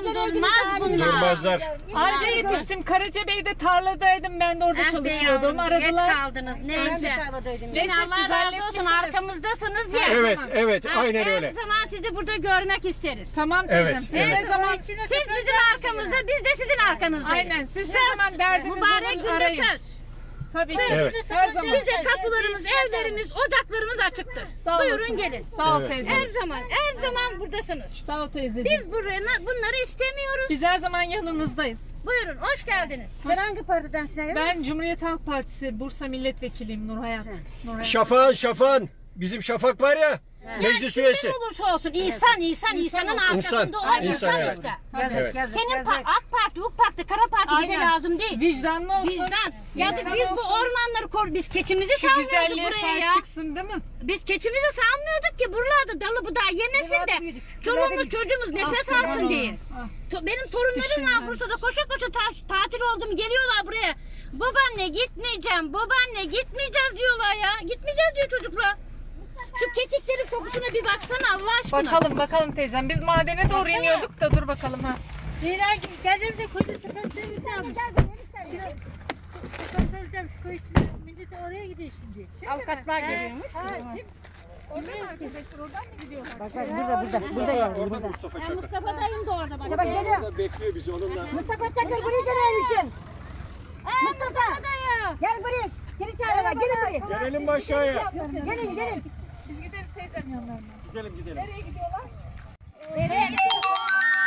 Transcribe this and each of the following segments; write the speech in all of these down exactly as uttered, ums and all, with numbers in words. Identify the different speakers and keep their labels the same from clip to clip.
Speaker 1: Durmaz bunlar.
Speaker 2: Durmazlar.
Speaker 3: Anca yetiştim. Karacabey'de tarladaydım. Ben de orada
Speaker 1: Ah be
Speaker 3: çalışıyordum.
Speaker 1: yavrum,
Speaker 3: Aradılar.
Speaker 1: geç kaldınız. Neyse. Yine Allah
Speaker 3: siz
Speaker 1: razı olsun.
Speaker 3: halletmişsiniz.
Speaker 1: Arkamızdasınız ya.
Speaker 2: Evet, evet,
Speaker 1: Ha,
Speaker 2: aynen
Speaker 1: her
Speaker 2: öyle.
Speaker 1: zaman sizi burada görmek isteriz.
Speaker 3: Tamam teyzem.
Speaker 2: Evet,
Speaker 3: Siz
Speaker 2: evet.
Speaker 3: ne zaman...
Speaker 1: Siz bizim arkamızda, biz de sizin arkanızdayız.
Speaker 3: Aynen. Siz ne zaman derdiniz
Speaker 1: Mübarek
Speaker 3: olur
Speaker 1: günde
Speaker 3: arayın.
Speaker 1: söz.
Speaker 3: Tabii ki.
Speaker 2: Evet.
Speaker 3: Her zaman.
Speaker 1: Size kapılarımız, evlerimiz, ocaklarımız açıktır.
Speaker 3: Sağ
Speaker 1: Buyurun
Speaker 3: olasın.
Speaker 1: gelin.
Speaker 3: Sağ ol
Speaker 2: Evet.
Speaker 3: teyze.
Speaker 1: Her zaman, her zaman buradasınız.
Speaker 3: Sağ ol teyzeciğim.
Speaker 1: Biz buraya bunları istemiyoruz.
Speaker 3: Biz her zaman yanınızdayız.
Speaker 1: Buyurun, hoş geldiniz.
Speaker 4: Sen hangi partiden sen?
Speaker 3: Ben Cumhuriyet Halk Partisi Bursa Milletvekiliyim Nur Hayat. Nur Hayat.
Speaker 2: Şafak'ın Şafak'ın. Bizim Şafak var ya. Meclis üyesi.
Speaker 1: Kim olursa olsun, insan, insan, insanın arkasında olan
Speaker 2: İnsan,
Speaker 1: insan
Speaker 2: evet.
Speaker 1: işte.
Speaker 2: Evet.
Speaker 1: Senin pa- AK Parti, UK Parti, Kara Parti bize
Speaker 3: Aynen.
Speaker 1: lazım değil.
Speaker 3: Vicdanlı olsun.
Speaker 1: Bizden. Ya da
Speaker 3: İnsan
Speaker 1: biz bu
Speaker 3: olsun.
Speaker 1: ormanları kor, biz keçimizi
Speaker 3: Şu
Speaker 1: salmıyorduk
Speaker 3: güzelliğe
Speaker 1: buraya
Speaker 3: sahip
Speaker 1: ya.
Speaker 3: çıksın değil mi?
Speaker 1: Biz keçimizi salmıyorduk ki buralarda dalı budağı yemesin de çoluğumuz çocuğumuz nefes
Speaker 3: Ah,
Speaker 1: alsın
Speaker 3: aman
Speaker 1: diye.
Speaker 3: ah.
Speaker 1: To- Benim torunlarım var
Speaker 3: Düşündüm.
Speaker 1: Bursa'da koşa koşa ta- tatil oldu mu geliyorlar buraya. Babaanne gitmeyeceğim, babaanne gitmeyeceğiz diyorlar ya. Gitmeyeceğiz diyor çocuklar. Şu kekiklerin kokusuna bir baksana Allah aşkına.
Speaker 3: Bakalım bakalım teyzem. Biz madene doğru iniyorduk da dur bakalım ha.
Speaker 4: Leyla gibi gelir de koca tepesine gidelim. Tepesine gideceğim şu koy içine. Millet oraya gidiyor şimdi.
Speaker 1: Avukatlar geliyormuş.
Speaker 3: Ha kim? Orada mı arkadaşlar? Oradan mı gidiyorlar?
Speaker 4: Bak bak burada burada. Burada yani
Speaker 2: Orada
Speaker 4: burada.
Speaker 2: Mustafa
Speaker 1: Ya
Speaker 2: Çakır.
Speaker 1: Mustafa dayım da orada bak.
Speaker 4: Bak geliyor.
Speaker 2: Orada bekliyor bizi onunla.
Speaker 4: Mustafa Çakır buraya gelmişsin. Mustafa.
Speaker 1: Dayı.
Speaker 4: Gel buraya. Geri çağırıyorlar. Gelin buraya.
Speaker 2: Gelelim mi aşağıya?
Speaker 4: Gelin gelin.
Speaker 3: Biz gideriz teyzem yanlarına.
Speaker 2: Gidelim gidelim.
Speaker 3: Nereye gidiyorlar?
Speaker 1: Nereye gidiyorlar?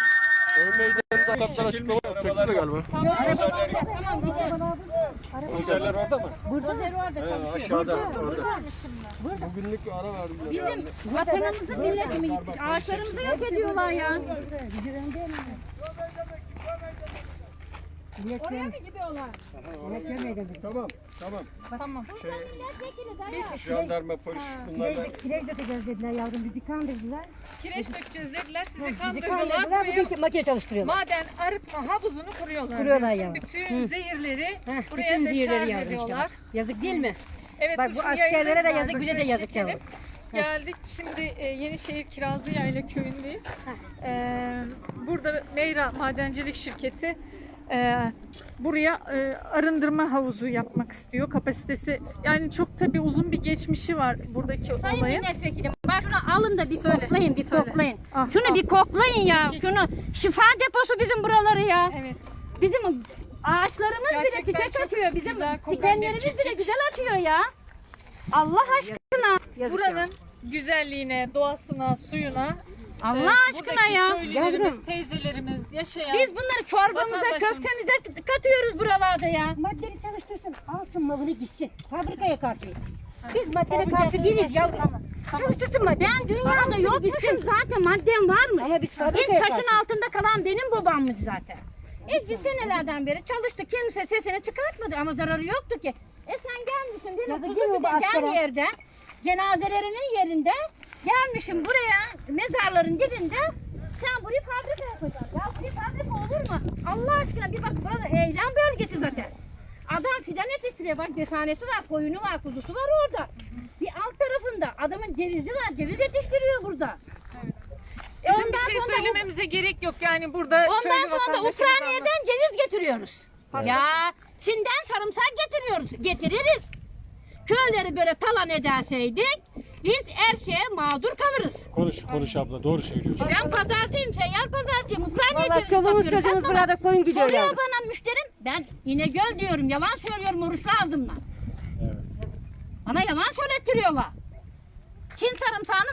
Speaker 2: Çekilmiş arabalar galiba.
Speaker 1: Tamam. Tamam gidelim.
Speaker 2: Konserler orada mı?
Speaker 1: Dozer orada
Speaker 2: He,
Speaker 1: çalışıyor.
Speaker 2: aşağıda. Orada.
Speaker 5: Bugünlük ara verdim.
Speaker 1: Bizim vatanımızı milletimi ağaçlarımızı yok ediyorlar ya.
Speaker 3: Oraya mı gidiyorlar?
Speaker 2: Tamam, tamam.
Speaker 3: Tamam.
Speaker 2: Şey, jandarma, polis bunlarla.
Speaker 4: Kireç dökeceğiz dediler yavrum. Bizi kandırdılar.
Speaker 3: Kireç dökeceğiz dediler. Sizi
Speaker 4: Bizi
Speaker 3: kandırdılar.
Speaker 4: kandırdılar.
Speaker 3: Buraya
Speaker 4: Bugün makine çalıştırıyorlar.
Speaker 3: maden arıtma havuzunu kuruyorlar.
Speaker 4: Kuruyorlar
Speaker 3: diyorsun.
Speaker 4: ya.
Speaker 3: Bütün zehirleri
Speaker 4: Heh,
Speaker 3: buraya
Speaker 4: bütün
Speaker 3: deşarj
Speaker 4: diğerleri yavrum işte
Speaker 3: ediyorlar.
Speaker 4: bak. Yazık değil mi?
Speaker 3: Evet,
Speaker 4: Bak
Speaker 3: dur
Speaker 4: bu
Speaker 3: şu
Speaker 4: askerlere de
Speaker 3: yayını
Speaker 4: yazık,
Speaker 3: var,
Speaker 4: bize de
Speaker 3: şöyle
Speaker 4: yazık
Speaker 3: çekelim.
Speaker 4: yavrum.
Speaker 3: Geldik şimdi e, Yenişehir Kirazlı Yayla köyündeyiz. E, burada Meyra Madencilik Şirketi e, buraya e, arındırma havuzu yapmak istiyor. Kapasitesi yani çok tabii uzun bir geçmişi var buradaki
Speaker 1: Sayın
Speaker 3: olayın.
Speaker 1: milletvekilim bak şunu alın da bir
Speaker 3: Söyle,
Speaker 1: koklayın bir
Speaker 3: söyle.
Speaker 1: koklayın.
Speaker 3: Ah,
Speaker 1: Şunu
Speaker 3: ah.
Speaker 1: bir koklayın ya. Şunu şifa deposu bizim buraları ya.
Speaker 3: Evet.
Speaker 1: Bizim ağaçlarımız
Speaker 3: Gerçekten
Speaker 1: bile çiçek
Speaker 3: çok
Speaker 1: açıyor. Bizim
Speaker 3: güzel kokan bir
Speaker 1: dikenlerimiz bile
Speaker 3: çiçek.
Speaker 1: güzel açıyor ya. Allah aşkına.
Speaker 4: Yazık
Speaker 3: Buranın güzelliğine, doğasına, suyuna
Speaker 1: Allah
Speaker 3: e,
Speaker 1: aşkına
Speaker 3: buradaki
Speaker 1: ya.
Speaker 3: köylülerimiz,
Speaker 4: Yavrum.
Speaker 3: teyzelerimiz yaşayan
Speaker 1: Biz bunları çorbamıza,
Speaker 3: Vatandaşımız.
Speaker 1: köftemize katıyoruz buralarda ya.
Speaker 4: Maddeyi çalıştırsın. Alsın malını gitsin. Fabrikaya karşı. Biz maddeye karşı değiliz yavrum. Çalıştırsın maddeyi.
Speaker 1: Ben dünyada yokmuşum zaten maddem varmış.
Speaker 4: Ama biz
Speaker 1: İlk
Speaker 4: fabrikaya
Speaker 1: taşın
Speaker 4: karşı.
Speaker 1: altında kalan benim babammış zaten. İlk biz senelerden beri çalıştı. Kimse sesini çıkartmadı ama zararı yoktu ki. E sen gelmişsin benim
Speaker 4: Yazık değil mi bu
Speaker 1: Kuzukucan
Speaker 4: askere?
Speaker 1: yerde, cenazelerinin yerinde gelmişim buraya mezarların dibinde. Sen burayı fabrika yapacaksın. Ya burayı fabrika olur mu? Allah aşkına bir bak burada heyecan bölgesi zaten. Adam fidan yetiştiriyor. Bak desanesi var, koyunu var, kuzusu var orada. Bir alt tarafında adamın cevizi var. Ceviz yetiştiriyor burada. E
Speaker 3: Bizim
Speaker 1: ondan
Speaker 3: bir şey
Speaker 1: sonra-
Speaker 3: söylememize gerek yok yani burada
Speaker 1: Ondan
Speaker 3: köylü
Speaker 1: sonra da
Speaker 3: vatandaşımız
Speaker 1: Ukrayna'dan ceviz getiriyoruz. Ya Çin'den sarımsak getiriyoruz. Getiririz. Köyleri böyle talan ederseydik biz her şeye mağdur kalırız.
Speaker 2: Konuş, konuş abla. Doğru söylüyorsun.
Speaker 1: Ben pazarcıyım, seyyar pazarcıyım. Ukrayna'ya
Speaker 4: Valla
Speaker 1: ceviz
Speaker 4: çoluğumuz
Speaker 1: satıyorum.
Speaker 4: çocuğumuz
Speaker 1: Sen bana-
Speaker 4: burada koyun gidiyor
Speaker 1: Soruyor
Speaker 4: yavrum.
Speaker 1: bana müşterim. Ben İnegöl diyorum. Yalan söylüyorum oruçlu ağzımla.
Speaker 2: Evet.
Speaker 1: Bana yalan söylettiriyorlar. Çin sarımsağını